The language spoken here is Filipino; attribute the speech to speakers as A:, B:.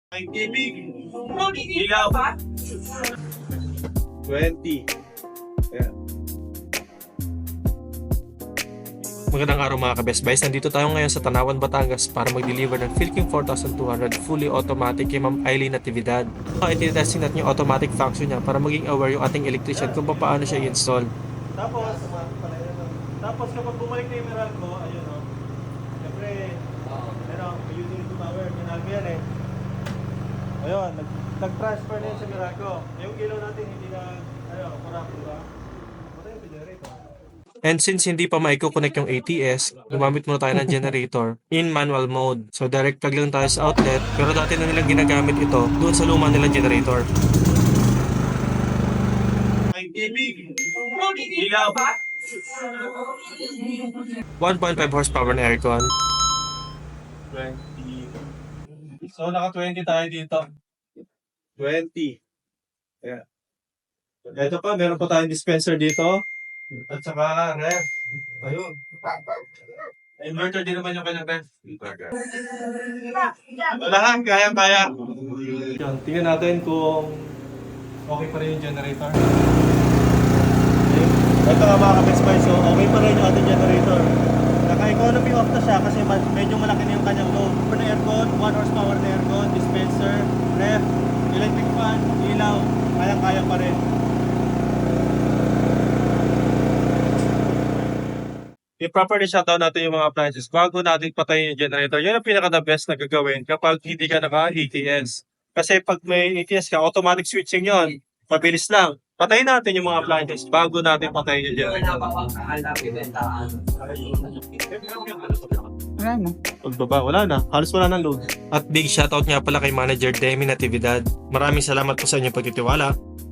A: Ay, tibig. Ilaw. 20. Ayan.
B: Magandang araw mga ka-Best Buys. Nandito tayo ngayon sa Tanawan, Batangas para mag-deliver ng Philking 4200 fully automatic kay Ma'am Eileen Natividad. Itinetesting natin yung automatic function niya para maging aware yung ating electrician kung paano siya i-install.
A: Tapos kapag bumalik na yung Meralco, ayun o. Siyempre, may utility power, minalgo yan eh. Ayun, nag-transfer na yun sa Meralco. Yung ilaw natin hindi na, kurap, diba? Patay yung generator.
B: And since hindi pa maiko-connect yung ATS, gumamit muna tayo ng generator in manual mode. So direct plug lang tayo sa outlet, pero dati na nilang ginagamit ito doon sa luma nilang generator.
A: Ay, tibig. Ilaw.
B: 1.5 horsepower na aircon.
A: 20. So, naka-20 tayo dito. 20. Ayan. Ito pa, meron pa tayong dispenser dito. At saka ref. Ayun. Inverter din naman yung kanyang ref. Wala, kaya. Yun, tingnan natin kung okay pa rin yung generator. Ito nga mga ka-Best Buy, so okay pa rin yung ating generator. Naka-economy off na siya kasi medyo malaki na yung kanyang load. For na aircon, 1 horsepower na aircon, dispenser, ref, electric fan, ilaw, kayang-kaya pa rin. I-properly shutdown natin yung mga appliances bago natin patayin yung generator. Yun ang pinaka-the best na gagawin kapag hindi ka naka-ATS. Kasi pag may ATS ka, automatic switching yon. Mabilis lang. Patayin natin yung mga appliances bago natin patayin yung generator.
C: Wala na.
A: Pagbaba, wala na. Halos wala ng load.
B: At big shoutout nga pala kay Manager Demi Natividad. Maraming salamat po sa inyong pagtitiwala.